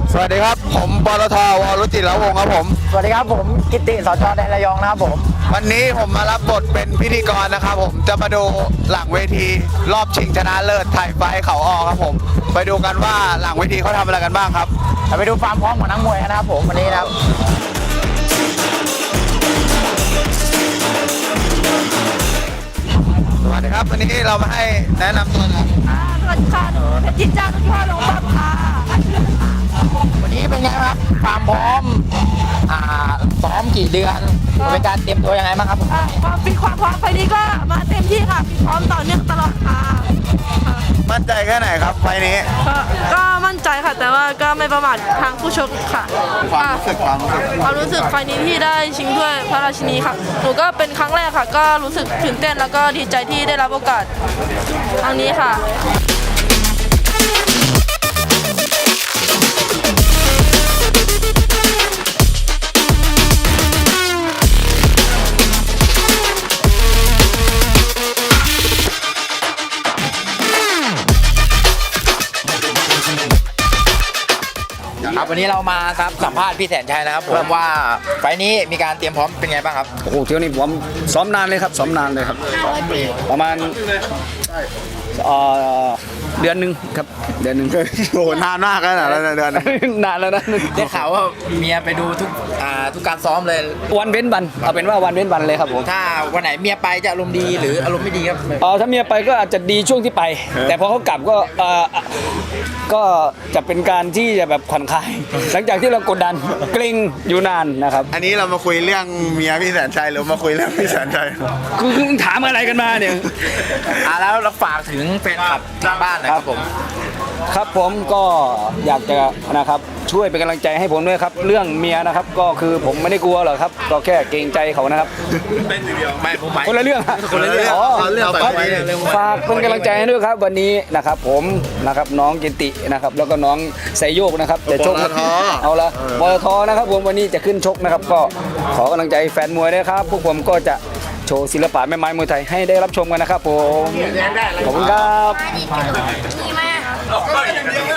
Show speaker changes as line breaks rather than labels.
สวัสดีครับผมปตท.วรุจิรวงศ์ครับผม
สวัสดีครับผมกิตติสจ.แดนระยองนะครับผม
วันนี้ผมมารับบทเป็นพิธีกรนะครับผมจะมาดูหลังเวทีรอบชิงชนะเลิศไทยไฟท์เขาออครับผมไปดูกันว่าหลังเวทีเขาทำอะไรกันบ้างครับ
ไปดูความพร้อมของนักมวยกันนะครับผมวันนี้นะครับ
สวัสดีครับวันนี้เรามาให้แนะนำตัวนะ
สวัสดีค่ะหนูเพชรจิตจ้าทุกท่านลงบับค่ะ
วันนี้เป็นไงครับความพร้อมซ้อมกี่เดือนเป็นการเตรียมตัวยังไงบ้างครับ
ความฟิตความพร้อมไฟนี้ก็มาเต็มที่ค่ะฟิตพร้อมต่อเนื่องตลอดค่ะ
มั่นใจแค่ไหนครับไฟนี้
ก็มั่นใจค่ะแต่ว่าก็ไม่ประมาททางผู้ชกค่ะความรู้สึกไฟนี้ที่ได้ชิงถ้วยพระราชินีค่ะหนูก็เป็นครั้งแรกค่ะก็รู้สึกตื่นเต้นแล้วก็ดีใจที่ได้รับโอกาสครั้งนี้ค่ะ
ครับวันนี้เรามาครับสัมภาษณ์พี่แสนชัยนะครับผมว่าไฟนี้มีการเตรียมพร้อมเป็นไงบ้างครับ
โอ้โหเที่ยวนี้ผมซ้อมนานเลยครับซ้อมนานเลยครับประมาณเดือนหนึ่งครับเดือนหนึ่ง
โอ้นานมากแล้วนะเดือน
นานแล้วนะ
ได้ข่าวว่าเมียไปดูทุกการซ้อมเลย
วันเว้นวันเอาเป็นว่าวันเว้นวันเลยครับผม
ถ้าวันไหนเมียไปจะอารมณ์ดีหรืออารมณ์ไม่ดีครับ
ถ้าเมียไปก็อาจจะดีช่วงที่ไปแต่พอเขากลับก็จะเป็นการที่จะแบบผ่อนคลายหลังจากที่เรากดดันเกรงอยู่นานนะครับ
อันนี้เรามาคุยเรื่องเมียพี่แสนชัยหรือมาคุยเรื่องพี่แสนชัย
คุณถามอะไรกันมาเนี่ย
แล้วเราฝากถึงแฟนคลับทางบ้านนะครับผม
ครับผมก็อยากจะนะครับช่วยเป็นกำลังใจให้ผมด้วยครับเรื่องเมียนะครับก็คือผมไม่ได้กลัวหรอกครับก็แค่เกรงใจเขานะครับ
เป็นเดียวไม่ผมหมาย
คนละเรื่อง
คนละเรื่อง
ฝากเป็นกำลังใจให้ด้วยครับวันนี้นะครับผมนะครับน้องกิตินะครับแล้วก็น้องไซโยกนะครับจะชกเอาละปตทนะครับผมวันนี้จะขึ้นชกนะครับก็ขอกำลังใจแฟนมวยด้วยครับพวกผมก็จะโชว์ศิลปะแม่ไม้มวยไทยให้ได้รับชมกันนะครับผมขอบคุณครับ